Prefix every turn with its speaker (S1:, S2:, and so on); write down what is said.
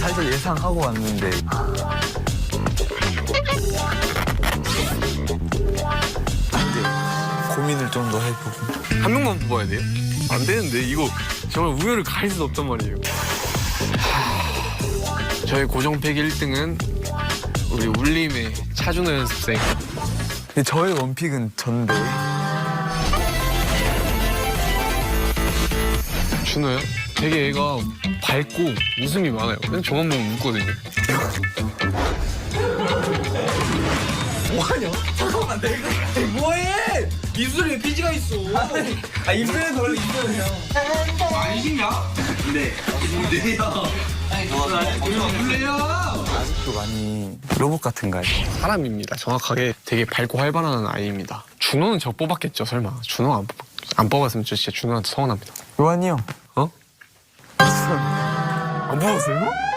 S1: 살짝 예상하고 왔는데. 고민을 좀 더 해보고.
S2: 한 명만 뽑아야 돼요? 안 되는데 이거 정말 우열을 가릴 수 없단 말이에요. 저의 고정팩 1등은 우리 울림의 차준호 연습생.
S1: 근데 저의 원픽은 전데.
S2: 준호요? 되게 애가 밝고 웃음이 많아요. 그냥 저만 보면 웃거든요.
S3: 뭐하냐? 잠깐만 내가 뭐해? 입술에 피지가 있어. 아 입술에서 원래 입술은 형. 아니시냐? 네. 네요. 몰래요.
S1: 아직도 많이 로봇 같은가요?
S2: 사람입니다. 정확하게 되게 밝고 활발한 아이입니다. 준호는 저 뽑았겠죠, 설마. 준호 안 뽑았으면 저 진짜 준호한테 서운합니다.
S1: 요한이 형.
S2: 어?
S1: 안 뽑았어요?